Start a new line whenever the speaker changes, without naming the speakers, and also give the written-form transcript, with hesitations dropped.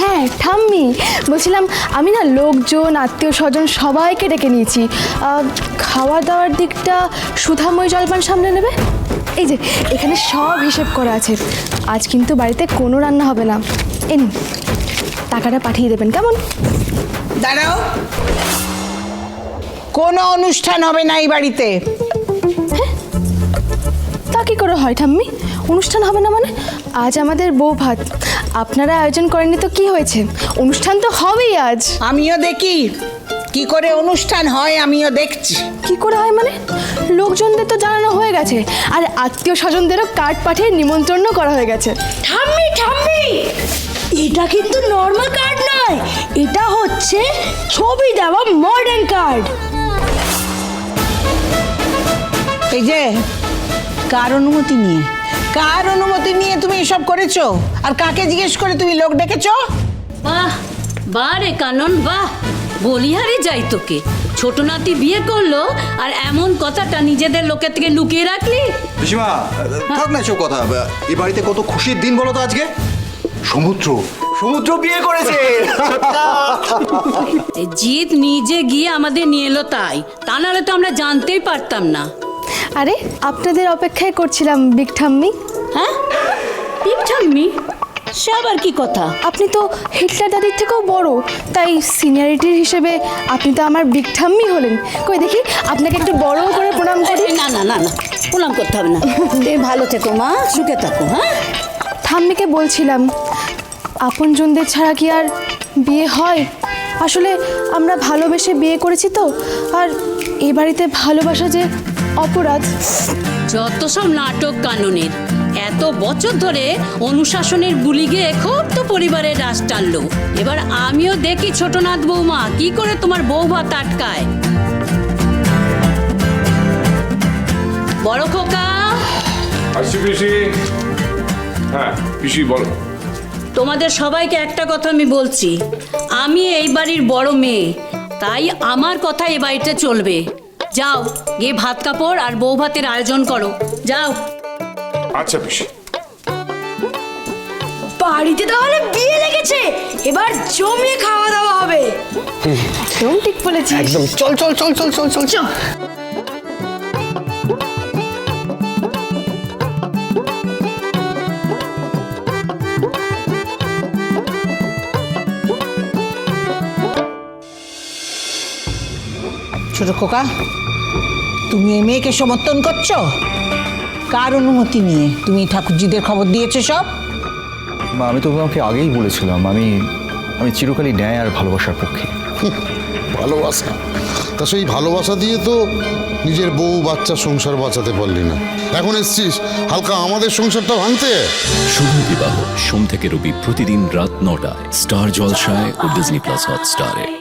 হ্যাঁ ঠাম্মি, বলছিলাম আমি না লোকজন আত্মীয় স্বজন সবাইকে ডেকে নিয়েছি। খাওয়া দাওয়ার দিকটা সুধাময় জলপান সামনে নেবে। এই যে এখানে সব হিসেব করা আছে। আজ কিন্তু বাড়িতে কোনো রান্না হবে না। এই নিন, টাকাটা পাঠিয়ে দেবেন কেমন?
দাঁড়াও, কোনো অনুষ্ঠান হবে না এই বাড়িতে।
তা কি করে হয় ঠাম্মি? অনুষ্ঠান হবে না মানে? আজ আমাদের বউ ভাত, আপনারা আয়োজন করেননি তো কি হয়েছে? অনুষ্ঠান তো হবেই আজ।
আমিও দেখি কি করে অনুষ্ঠান হয়, আমিও দেখছি।
কি করে হয় মানে? লোকজনদের তো জানানো হয়ে গেছে, আর আত্মীয় স্বজনদেরও কার্ড পাঠিয়ে নিমন্ত্রণ করা হয়ে গেছে।
ঠাম্মি ঠাম্মি, এটা কিন্তু নর্মাল কার্ড নয়, এটা হচ্ছে ছবি দেওয়া মডার্ন কার্ড।
এই যে কার অনুমতি নিয়ে তুমি এসব করেছো? আর কাকে জিজ্ঞেস করে তুমি লোক ডেকেছো?
বাহ বাহ রে কানন, বাহ! বলিহারে যাই তোকে। ছোট নাতি বিয়ে করলো আর এমন কথাটা নিজেদের লোকের থেকে লুকিয়ে রাখলি?
পিসিমা থাক না এসব কথা। এই বাড়িতে কত খুশির দিন বলো তো আজকে। সমুদ্র বিয়ে করেছে।
জিৎ নিজে গিয়ে আমাদের নিয়ে এলো, তাই তা নাহলে তো আমরা জানতেই পারতাম না।
আরে আপনাদের অপেক্ষায় করছিলাম বিগ ঠাম্মি।
হ্যাঁ, বিগ ঠাম্মি? সে আবার কি কথা?
আপনি তো হিটলার দাদির থেকেও বড়, তাই সিনিয়রিটির হিসেবে আপনি তো আমার বিগ ঠাম্মি হলেন। কই দেখি আপনাকে একটু বড় করে প্রণাম করি।
না না না না, প্রণাম করতে হবে না। তুমি ভালো থেকো মা, সুখে থাকো। হ্যাঁ,
ঠাম্মিকে বলছিলাম, আপনজনদের ছাড়া কি আর বিয়ে হয়? আসলে আমরা ভালোবেসে বিয়ে করেছি তো, আর এ বাড়িতে ভালোবাসা যে অপরাধ।
যত সব নাটক কাননের। এত বছর ধরে অনুশাসনের বুলি গিয়ে খুব তো পরিবারের রাশ টানলো। এবার আমিও দেখি ছোটনাথ বৌমা কি করে তোমার বৌভাত আটকায়। বড় খোকা,
আসছি পিসি। হ্যাঁ পিসি বলো।
তোমাদের সবাইকে একটা কথা আমি বলছি, আমি এই বাড়ির বড় মেয়ে, তাই আমার কথা এ বাড়িতে চলবে। যাও গিয়ে ভাত কাপড় আর বউ ভাতের আয়োজন করো, যাও।
আচ্ছা পিসি।
বাড়িতে তাহলে বিয়ে লেগেছে, এবার জমিয়ে খাওয়া দাওয়া হবে।
একদম ঠিক বলেছিস।
একদম চল চল চল চল চল চল চল।
ছোট খোকা, তুমি এই মেয়েকে সমর্থন করছো? কার অনুমতি নিয়ে তুমি ঠাকুরজিদের খবর দিয়েছো সব?
মা, আমি তো তোমাকে আগেই বলেছিলাম আমি চিরকালই ন্যায় আর ভালোবাসার পক্ষে।
ভালোবাসা? তা সেই ভালোবাসা দিয়ে তো নিজের বউ বাচ্চা সংসার বাঁচাতে পারলি না, এখন এসছিস হালকা আমাদের সংসারটা ভাঙতে।
শুভ বিবাহ সোম থেকে রবি প্রতিদিন রাত ৯টায় স্টার জলসায় ও ডিজনি প্লাস হটস্টারে।